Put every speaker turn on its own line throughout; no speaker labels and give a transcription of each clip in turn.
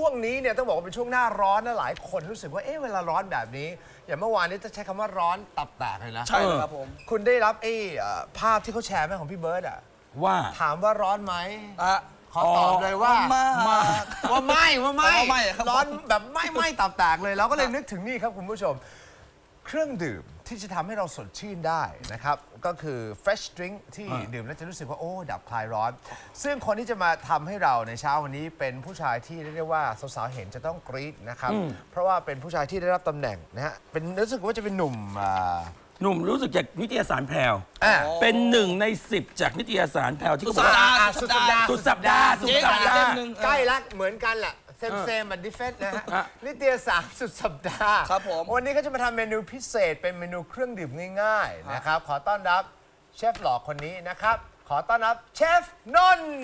วงนี้เนี่ยต้องบอกว่าเป็นช่วงหน้าร้อนนะหลายคนรู้สึกว่าเวลาร้อนแบบนี้อย่างเมื่อวานนี้จะใช้คำว่าร้อนตับแตกเลยนะ
ใช่ครับผม
คุณได้รับภาพที่เขาแชร์ไหมของพี่เบิร์ดอะ
ว่า
ถามว่าร้อนไหมขอตอบเลยว่าไม่ร้อนแบบไม่ตับแตกเลยเราก็เลยนึกถึงนี่ครับคุณผู้ชมเครื่องดื่มที่จะทำให้เราสดชื่นได้นะครับก็คือ fresh drink ที่ดื่มแล้วจะรู้สึกว่าดับคลายร้อนซึ่งคนที่จะมาทำให้เราในเช้าวันนี้เป็นผู้ชายที่เรียกว่าสาวๆเห็นจะต้องกรี๊ดนะครับเพราะว่าเป็นผู้ชายที่ได้รับตำแหน่งนะฮะเป็นรู้สึกว่าจะเป็นหนุ่ม
รู้สึกจากนิตยสารแพรวเป็น1 ใน 10จากนิตยสารแพรวที่
สุดสัปดาห์
ใกล้ละเหมือนกันแหละเซมบัดดิเฟสนะฮะนิตยสารสุดสัปดาห์
ครับผม
วันนี้เขาจะมาทำเมนูพิเศษเป็นเมนูเครื่องดื่มง่ายๆนะครับขอต้อนรับเชฟหล่อคนนี้นะครับขอต้อนรับเชฟนนท์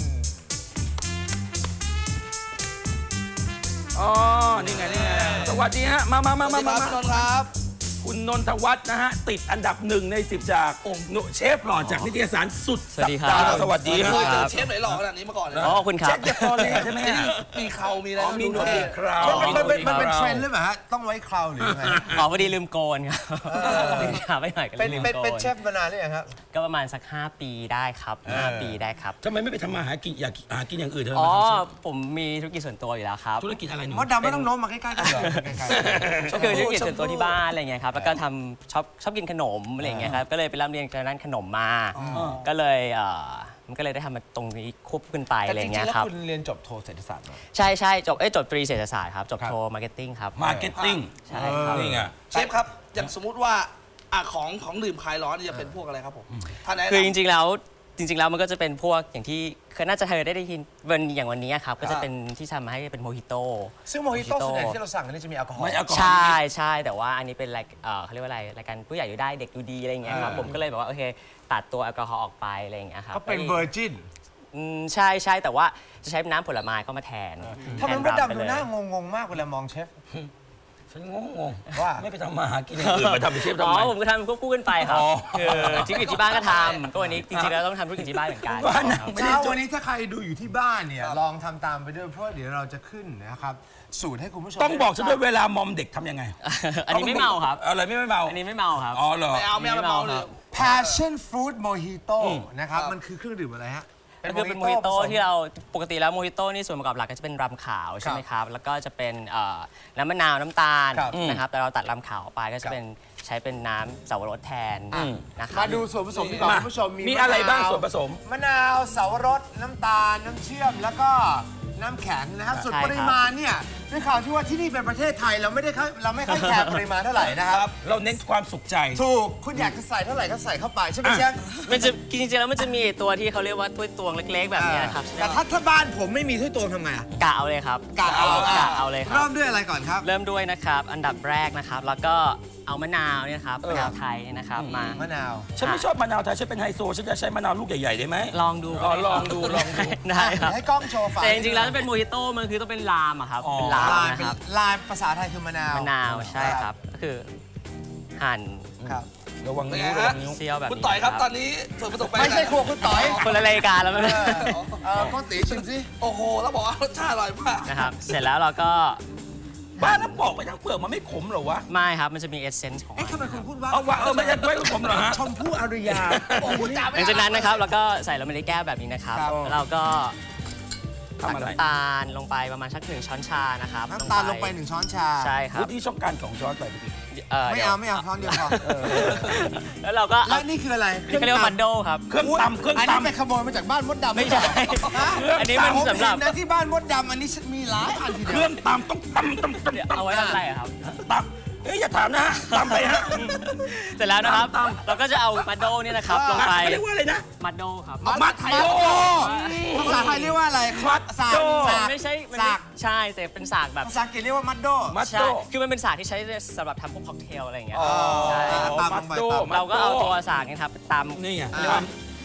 อ๋อนี่ไงสวัสดีฮะมา
ครับ
คุณนนทวัฒน์นะฮะติดอันดับ1 ใน 10จากเชฟหล่อจากนิตยสารสุดสัปดาห์สวัสดีครับ
เคยเจอเชฟไหนหล่อขนาดนี้มาก่อนเลย
คุณครับ
เชฟเดฟฟอร์เลยใช่ไหม
มีเขามีอะไร
มีหนวดมีคราว
มันเป็นเทรนด์หรือเปล่าฮะต้องไว้คราวหรือไง
พอดีลืมโกนครับลืมถามไปหน่อยก็ลืมโกน
เป็นเชฟมานานหรือยังครับ
ก็ประมาณสัก5 ปีได้ครับ5 ปีได้ครับ
ทำไมไม่ไปทำมาหากินอยากหากินอย่างอื่นเถอะ
ผมมีธุรกิจส่วนตัวอยู่แล้วครับ
ธุรกิจอะไรหนู
มดดำไม่ต้องโน้มมาใกล้ๆกัน
ก็คือธุรกิจส่วนตัวที่บ้านอะไรเงี้ยครับแล้วก็ทำชอบกินขนมอะไรเงี้ยครับก็เลยไปร่ำเรียนการด้านขนมมาก็เลยมันก็เลยได้ทำมาตรงนี้ควบคู่กันไปอะไรเงี้ยครับ
คุณเรียนจบโทเศรษฐศาสตร์มา
ใช่จบตรีเศรษฐศาสตร์ครับจบโทมาร์เก็ตติ้งครับ
มาร์เก็ตติ้ง
ใช่ครับ
นี่ไง
เชฟครับอย่างสมมุติว่าของดื่มคลายร้อนจะเป็นพวกอะไรครับผม
คือจริงๆแล้วมันก็จะเป็นพวกอย่างที่น่าจะเคยได้ยินอย่างวันนี้ครับก็จะเป็นที่ทำมาให้เป็นโมฮิโต้
ซึ่งโมฮิโต้ส่วนใหญ่ที่เราสั่งอันนี้จะมีแอลกอฮอล์
ใช่แต่ว่าอันนี้เป็นเขาเรียกว่าอะไรรายการผู้ใหญ่อยู่ได้เด็กดูดีอะไรอย่างเงี้ยครับผมก็เลยแบบว่าโอเคตัดตัวแอลกอฮอล์ออกไปอะไรอย่างเงี้ยครับ
ก็เป็นเวอร์จิน
ใช่แต่ว่าจะใช้น้ำผลไม้เข้ามาแทน
ทำไมมดดำดูหน้างงมากเวลามองเชฟ
ฉันงงว่าไม่ไปทำมาหากินอย่างอื่นมาทำเป็นเชฟทำไม
ผมก็ทำควบคู่กันไปครับคือธุรกิจที่บ้านก็ทำก็วันนี้จริงๆแล้วต้องทำธุรกิจที่บ้านเหมือนกัน
วันนี้ถ้าใครดูอยู่ที่บ้านเนี่ยลองทำตามไปด้วยเพราะเดี๋ยวเราจะขึ้นนะครับสูตรให้คุณผู้ชม
ต้องบอกฉันด้วยเวลามอมเด็กทำยังไง
อันนี้ไม่เมาครับ
อะไรไม่เมา
อันนี้ไม่เมาครับ
อ๋อเหรอ
ไม่เอาเลย
Passion Fruit Mojito นะครับมันคือเครื่องดื่มอะไรฮะ
ก็คือเป็นโมฮิโต้ที่เราปกติแล้วโมฮิโต้นี่ส่วนประกอบหลักก็จะเป็นรำขาวใช่ไหมครับแล้วก็จะเป็นน้ำมะนาวน้ำตาลนะครับแต่เราตัดรำขาวออกไปก็จะเป็นใช้เป็นน้ำสับปะรดแทนนะครับ
มาดูส่วนผสมดีกว่าคุณผู้ชม
มีอะไรบ้างส่วนผสม
มะนาวสับปะรดน้ำตาลน้ำเชื่อมแล้วก็น้ำแข็งนะครับส่วนปริมาณเนี่ยด้วยข่าวที่ว่าที่นี่เป็นประเทศไทยเราไม่ค่อยแคร์ปริมาณเท่าไหร่นะครับ
เราเน้นความสุขใจ
ถูกคุณอยากจะใส่เท่าไหร่ก็ใส่เข้าไปใช่ไหมเชฟ
มันจะจริงๆแล้วมันจะมีตัวที่เขาเรียกว่าถ้วยตวงเล็กๆแบบนี้ครับ
แต่ถ้าบ้านผมไม่มีถ้วยตวงทำไง
กะเอาเลยครับ
กะ
เอาเลยครับ
เริ่มด้วยอะไรก่อนครับ
เริ่มด้วยนะครับอันดับแรกนะครับแล้วก็เอามะนาวเนี่ยครับมะนาวไทยนะครับ
มะนาว
ฉันไม่ชอบมะนาวไทยฉันเป็นไฮโซฉันจะใช้มะนาวลูกใหญ่ๆได้ไหม
ลองดู
ได้ครับให้กล้องโชว์ฝา
แต่จริงๆแล้วเป็นโมฮิโต้มันคือต้องเป็นลามอะครับเป็นลามนะครับ
ลามภาษาไทยคือมะนาว
ใช่ครับก็คือหั่น
ครับ
ระวังนิ้ว
เซียวแบบ
คุณต่อยครับตอนนี้ส่วนผสม
ไม่ใช่ครัวคุณต่อย
คนละรายการแล้วมั้ย
ก็ตีชิมสิ
โอ้โหแล้วบอกว่ารสชาติอร่อยมาก
นะครับเสร็จแล้วเราก็
บ้านน้ำบอกไปทั้งเปลือกมันไม่ขมหรอวะ
ไม่ครับมันจะมีเอเซนส์ของ
ทำไมคุณพูดว่า
ไม่ใช่ไม่ขมหรอฮะ
ชมพู่อารยา
หลังจากนั้นนะครับเราก็ใส่ลงไปในแก้วแบบนี้นะครับเราก็ตักน้ำตาลลงไปประมาณสัก1 ช้อนชานะครับ
น้ำตาลลงไป1 ช้อนชา
ใช่ครับ
ที่ช่องการ2 ช้อนใส่ไปสิ
ไม่เอาช้อนเดียวพอ
แล้วเราก็
แล้วนี่คืออะไร
นี่เขาเรียกว่ามันโดครับ
เครื่องตำ
อันนี้ไปขโมยมาจากบ้านมดดำ
ไม่ใช่อันนี้มันสำหรับ
นะที่บ้านมดดำอันนี้มีหลายอันทีเดียว
เครื่องตำต้องตำ
เอาไว้ทำอะไรครับ
ตำอย่าถามนะตำไปฮะ
เสร็จแล้วนะครับเราก็จะเอามัดโดนี่นะครับลงไป
เรียกว่าอะไรนะ
มัดโดครับ
มัดโด
ภาษาไทยเรียกว่าอะไร
สากไม่ใช่ใช่แต่เป็นสากแบบ
ภาษาอังกฤษเรียกว่ามัดโด
ใช่คือมันเป็นสากที่ใช้สำหรับทำพวกค็อกเทลอะไรอย่างเงี้ยใช่
มัดโด
เราก็เอาตัวสากนี่ครับตำ
นี่ไง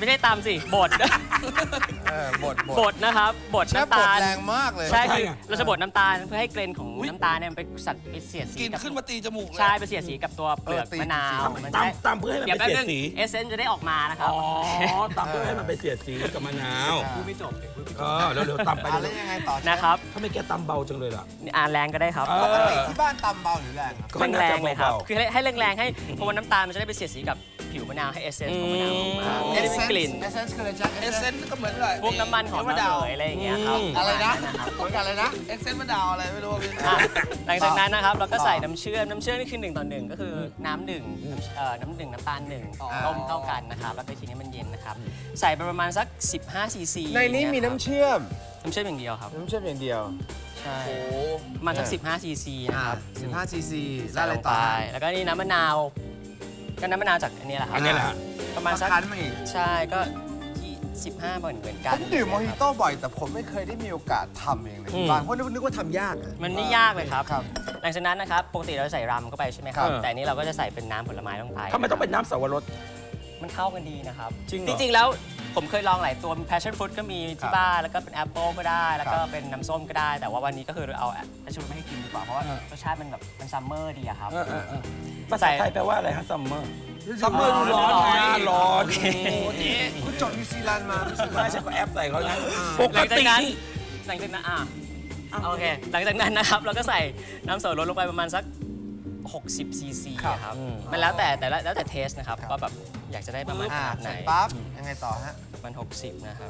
ไม่ได้ตำสิบด
บด
นะครับบด
เชฟ
น้ำ
บด
ตาล
แรงมากเลย
ใช่คือเราจะบดน้ำตาลเพื่อให้เกรนของน้ำตาลเนี่ยมันไปไปเสียดสี
กิน
กับ
ขึ้นมาตีจมูกเลย
ใช่ไปเสียดสีกับตัวเปลือกมะนาวมันจะได้
ตำเพื่อให้มันไปเสียดสี
เอเซนจะได้ออกมานะครับ
อ๋อตำเพื่อให้มันไปเสียดสีกับมะนาว
พูดไม่จบ
เร็วๆตำไป
แล้วยังไงต่อเชฟ
นะครับ
ถ้าไม่แกตำเบาจังเลยล่ะ
แรงก็ได้ครับ
ปกติที่บ้านตำเบาหรือแรงครับ
ก็น่าจะ
แรงๆเลยครับ
เบาๆ
คือให้แรงๆให้เพราะว่าน้ำตาลมันจะได้ไปเสียดสีกับผิวมะนาวให้เอเซนของมะนาวออกมาไม่ได้เป็นกลิ่น
เอเซนส์คืออะไรจ๊ะ
เอเซนก็เหมือนกับ
พวกน้ำมันของ
มะ
มะ
นาน
าว วอะไรอย่างเงี้ยครับ
อะไรนะ
ครับ
เหมือนกันเลยนะ
เอเซนมะนาวอะไรไม่รู้พี่
อ่ะหลังจากนั้นนะครับเราก็ใส่น้ำเชื่อมนี่คือ1 ต่อ 1ก็คือน้ำหนึ่งน้ำหนึ่งน้ำตาล1ต้มเข้ากันนะครับแล้วก็ทิ้งให้มันเย็นนะครับใส่ไปประมาณสัก15 ซีซี
ในนี้มีน้ำเชื่อม
น้ำเชื่อมอย่างเดียวครับ
น้ำเชื่อมอย่างเดียว
ใช่ประมาณสัก15 ซีซีนะครับ
15 ซีซีแล้
ใส่
วอะไร
ลง
ต่
ไป
อ
แล้วก็นี่น้ำมะนาวก็น้ำมะนาวจากอันนี้แหละครับ
อันนี้แหละฮะ
ประมาณสัก
คั้นมาอีก
ใช่ก็ที่15เหมือนกั
ผ
น
มดื่มโมฮิโต้บ่อยแต่ผมไม่เคยได้มีโอกาสทำเองเลยที่บ้านเพราะนึกว่าทำยากอะ
มันไม่ยากเลยครับ
ครับ
หลังจากนั้นนะครับปกติเราจะใส่รัมเข้าไปใช่ไหมครับ
ครับ
แต่อันนี้เราก็จะใส่เป็นน้ำผลไม้ลงไป
ทำไมต้องเป็นน้ำสับปะรด
มันเข้ากันดีนะครับ
จริงเหรอ
จริงๆแล้วผมเคยลองหลายตัวมี passion fruit ก็มีที่บ้านแล้วก็เป็นแอปเปิลก็ได้ แล้วก็เป็นน้ำส้มก็ได้ แต่ว่าวันนี้ก็คือเอา passion fruit ไม่ให้กินดีกว่าเพราะว่ารสชาติมันแบบมันซัมเมอร์ดีอะครับ
ภาษาไทยแปลว่าอะไรฮะซัมเมอร์
ซัมเมอร์ร้อน
หน้าร้อน
คุณจบนิวซีแลนด์มา
ไม่ใช่ก็แอปใส่เขานะป
ห
ก
ลังจาก
ติ
นั้น
นี่
หลังจากนั้นโอเคหลังจากนั้นนะครับเราก็ใส่น้ำสับปะรดลงไปประมาณสัก60 ซีซีครับมันแล้วแต่เทสนะครับว่าแบบอยากจะได้ประมาณขนาดไหน
เสร็จปั๊บยังไงต่อฮะ
มัน60นะครับ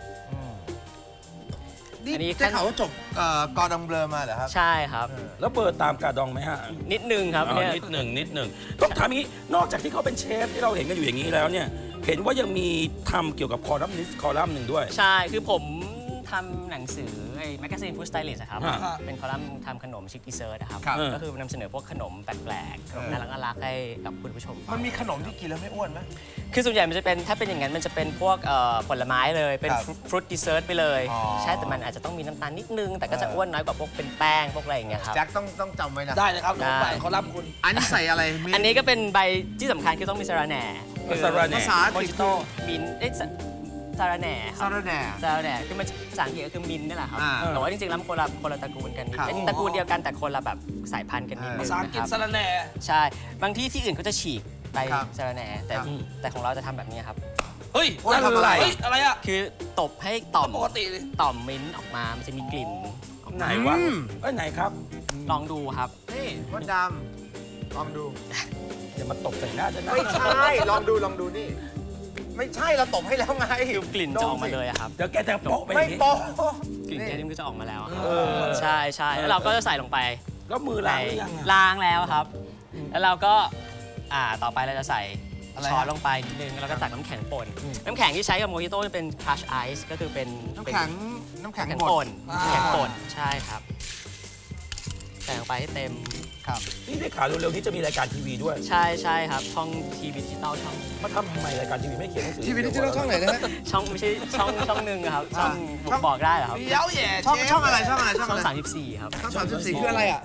นี่
อันนี้
ได้ข่าวว่าจบกอร์ดองเบลอมาเหรอครับ
ใช่ครับ
แล้วเบอร์ตามกาดองไหมฮะ
นิดนึงครับ
อ๋อ
เนี่ย
นิดหนึ่งต้องถามอย่างนี้นอกจากที่เขาเป็นเชฟที่เราเห็นกันอยู่อย่างนี้แล้วเนี่ยเห็นว่ายังมีทำเกี่ยวกับคอลัมนิสต์คอลัมน์หนึ่งด้วย
ใช่คือผมทำหนังสือไอ้แมกกาซีนฟู้ดสไตลิสต์ครับ
ฮะ
เป็นคอลัมน์ทำขนมชิคกี้เซิร์นะครับ
ครับ
ก็คือนำเสนอพวกขนมแปลกๆขนมน่ารักๆให้กับคุณผู้ชมฟัง
มันมีขนมที่กินแล้วไม่อ้วนไหม
คือส่วนใหญ่มันจะเป็นถ้าเป็นอย่างนั้นมันจะเป็นพวกผลไม้เลยเป็น
ครับ
ฟรุตดิเซอร์ตไปเลย
อ๋อ
ใช่แต่มันอาจจะต้องมีน้ำตาลนิดนึง แต่ก็จะอ้วนน้อยกว่าพวกเป็นแป้งพวกอะไรอย่างเงี้ยครับ
แจ็คต้องจำไว้นะ
ได้เลยครับ
ได้
ไปเขารับคุณ
อันนี้ใส่อะไรมี
อันนี้ก็เป็นใบที่สำคัญคือต้องมีสาระแหน่
สาระแหน่
ภาษาอัง
โม
กฤษ
จิโต้มินท์สาระแหน่ค
ซา
รับ
ลาแหน่
สาระแหน่คือมันภาษาอังกฤษก็คือมินท์นี่แหละครับ
อ่า
แต่ว่าจริงๆแล้วมันคนละตระกูลกันนิด
ครับ
เป็นตระกูลเดียวกันแต่คนละแบบสายพันธุ์กันนิดนึ
ภาง ษาอังกฤษ
นะครับ
สระแหน่
ใช่บางที่อื่นเขาจะฉีกใบ
ครับ
สาระแหน่แต่
ครับ
แต่ของเราจะทำแบบนี้ครับ
เฮ้ย
ว่าทำอะไร
เฮ้ยอะไรอ่ะ
คือตบให้ต่อม
ปกติดิ
ต่อมมิ้นท์ออกมา มันจะมีกลิ่นออก
ไหน
มาว
ะไหนครับ
ลองดูครับ
นี่มดดำลองดู
อย่ามาตบใส่หน้าฉันนะ
ไม่ใช่ ลองดูนี่ ไม่ใช่เราตบให้แล้วไง
กลิ่นจะออกมาเลยอะครับ
เดี๋ยวแกจะโปะไปอ
ไม่
ย่างนี้
โป๊ะ
กลิ่น
นี่
แค่นี้มันก็จะออกมาแล้วครับใช่ใช่แล้วเราก็จะใส่ลงไป
แล้วมือล้างหรือยังอะ
ล้างแล้วครับ แล้วเราก็ต่อไปเราจะใส่
อะไร
ช้อน
ฮะ
ลงไปนิดนึงแล้วก็ตักน้ำแข็งป่นน้ำแข็งที่ใช้กับโมฮิโต้จะเป็น crush ice ก็คือเป็น
น้ำแข็ง
น้ำแข็ง
บด
ป่นน้ำแข็งป่นใช่ครับใส่ลงไปให้เต็ม
ครับ
นี่ได้ข่าวเร็วๆนี้จะมีรายการทีวีด้วย
ใช่ใช่ครับช่องทีวีดิจิตอลช่อง
มาทำไมรายการทีวีไม่เขียนหนังสือ
ทีวีดิจิทัลช่องไหนนะฮะ
ช่องไม่ใช่ช่องหนึ่งอะครับช่อง
ช่อง
บอกได้เหรอครับ
เย้าแย่
ช่อง
เชฟ
ช่องอะไรช่องอะไรช่อง
ช่อ
อะ
ง
ไร
34ครับ
ช่อง34คืออะไรอ่ะ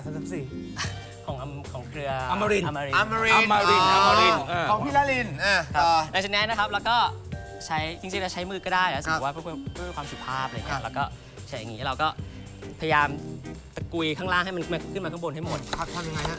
34
ของเครือ
อมรินทร์
อมริน
อ
ทร์
มรินทร์
อมรินทร์อมรินทร์
ของพี่ละลิน
ครับ
ต่อ
หลังจากนั้นนะครับแล้วก็ใช้จริงๆเราใช้มือก็ได้แล้วสมม
ครับ
ติว่าเพื่อความสุภาพอะไร
ครั
เงี้
บ
ยแล้วก็ใช้อย่างนี้เราก็พยายามตะกุยข้างล่างให้มันขึ้นมาข้างบนให้หมด
ทำยังไงฮะ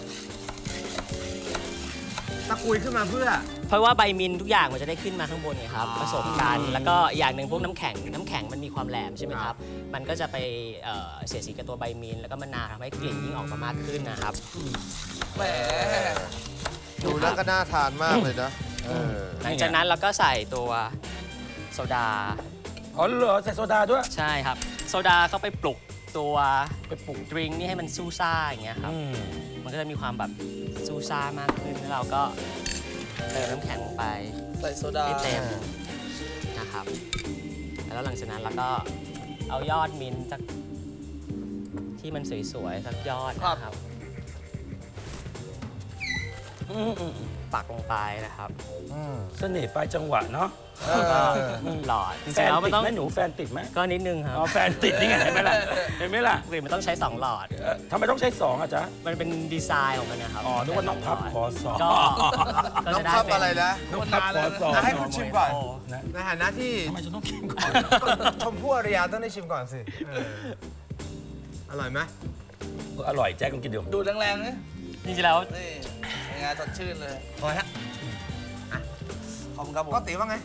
ตะกุยขึ้นมาเพื่อ
เพราะว่าใบมินทุกอย่างมันจะได้ขึ้นมาข้างบนไงครับผสมกันแล้วก็อย่างหนึ่งพวกน้ำแข็งมันมีความแหลมใช่ไหมครับมันก็จะไปเสียดสีกับตัวใบมินแล้วก็มะนาวทำให้กลิ่นยิ่งออกมามากขึ้นนะครับ
แหม
ดูแล้วก็น่าทานมากเลยนะ
หลังจากนั้นเราก็ใส่ตัวโซดา
อ๋อเหรอใส่โซดาด้วย
ใช่ครับโซดาเข้าไปปลุกตัวดริงก์นี่ให้มันซูซ่าอย่างเงี้ยครับมันก็จะมีความแบบซูซ่ามากขึ้นแล้วเราก็เติมน้ำแข็งลงไป
ใส่โซดา
ให้เต็มนะครับแล้วหลังจากนั้นเราก็เอายอดมิ้นท์จากที่มันสวยๆสักยอดนะครับปักลงไปนะครับ
เสน่ห์ปลายจังหวะเนาะ
หลอดจ
แฟ
ริงๆ
น
แล้วมั
ติ
น
ด
ต้อง
ไหมหนูแฟนติดไหม
ก็นิดนึงครับ
อ๋อแฟนติดนี่ไงเห็นไหมล่ะเห็นไหมล่ะ
กลิ่นมันต้องใช้2หลอด
ทำไมต้องใช้2อ่ะจ๊ะ
มันเป็นดีไซน์ของมันนะครับ
อ๋อนึกว่าน้องพับขอ2
ก็
น้อง
จะได้
พับ
เป็น
อะไรนะ
น้องพับขอ2
ให้คุณชิมก่อน
นะ
ในฐานะที่
ทำไมฉันต้องกินก่อน
ชมพู่อารยาต้องได้ชิมก่อนสิอร่อยไหม
อร่อยแจ๊คลองกินดู
ดูดแรงๆนี่
จริงๆแล้ว
นี่เป็นไงสดชื่นเลย
อร่อยฮะ
ขอบคุณครับผม
ก็ตีว่าไง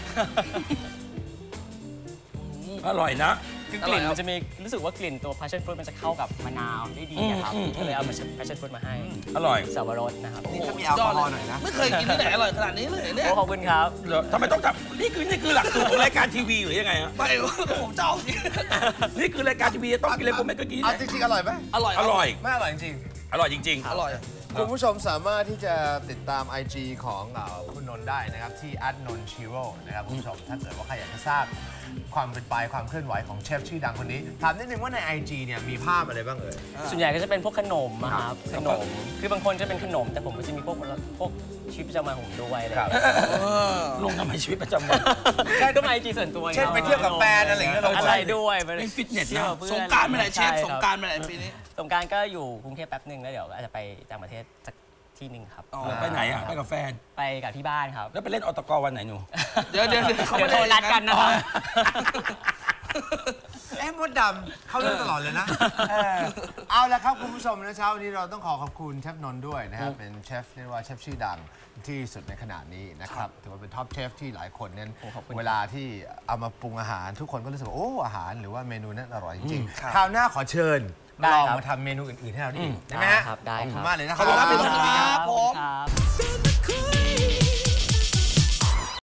อร่อยนะ
คือกลิ่นมันจะมีรู้สึกว่ากลิ่นตัว passion fruit มันจะเข้ากับมะนาวได้ดีนะครับก็เลยเอา passion fruit มาให้
อร่อย
สับปะรดนะครับ
นี่ถ้ามีแอลกอฮอล์หน่อยนะ
ไม่เคยกินที่ไหนอร่อยขนาดนี้เลยเนี่ย
โอ้ขอบคุณครับ
เหรอทำไมต้องทำนี่คือหลักสูตรของรายการทีวีหรือยังไงฮะ
ไม่ผมเจ้าจริง
นี่คือรายการทีวีต้องกินอะไรผมไม่ก็กิน
เอาจริงๆอร่อยไหม
อร่อย
อร่อย
ไม่อร่อยจริง
อร่อยจริง
อร่อย
คุณผู้ชมสามารถที่จะติดตาม IG ของคุณนนท์ได้นะครับที่ @nonchiro นะครับคุณผู้ชมถ้าเกิดว่าใครอยากจะทราบความเป็นไปความเคลื่อนไหวของเชฟชื่อดังคนนี้ถามนิดนึงว่าใน IG เนี่ยมีภาพอะไรบ้างเอ่ย
ส่วนใหญ่ก็จะเป็นพวกขนมอะครับขนมคือบางคนจะเป็นขนมแต่ผมก็จะมีพวกชีวิตประจำวันผมด้วยอะไรอย่างเงี้ย
ๆลงทำไมชีวิตประจำวัน
ก็มาไอจีส่วนตัว
เช่นไปเที่ยวกับแฟนอะไรอย่างเงี้ยลง
อะไรด้วย
เป็นฟิตเนสนะ
ที่ยวกับเพื่อน
สงกรารไปไหนเชฟ
ใคบ
สงกรารไปไหนปีนี้
สงกรารก็อยู่กรุงเทพแป๊บหนึ่งแล้วเดี๋ยวอาจจะไปต่างประเทศสักที่หนึ่งครับ
อ๋อ
ไปไหนอ่ะ ไปกับแฟน
ไปกับที่บ้านครับ
แล้วไปเล่นอตกวันไหนหนู
เดี๋ยว
เดี๋ยวโทรนัดกันนะครับ
มดดำเข้าเรื่องตลอดเลยนะเอาละครับคุณผู้ชมนะเช้าวันนี้เราต้องขอบคุณเชฟนนท์ด้วยนะครับเป็นเชฟเรียกว่าเชฟชื่อดังที่สุดในขณะนี้นะครับถือว่าเป็นท็อปเชฟที่หลายคนนั้นเวลาที่เอามาปรุงอาหารทุกคนก็รู้สึกว่าโอ้อาหารหรือว่าเมนูนั้นอร่อยจริงๆคราวหน้าขอเชิญ
ได้
ลอง
ครับ
มาทำเมนูอื่นๆให้เราได้อีกได้ไหมฮะ
ครับได้
ขอบ
ค
คุ
รับ
ณมากเลยนะค
ข
รั
อบคุณครับพี่นนท์ครับ
ขอบ
ผ
คุณ
ม
ครับ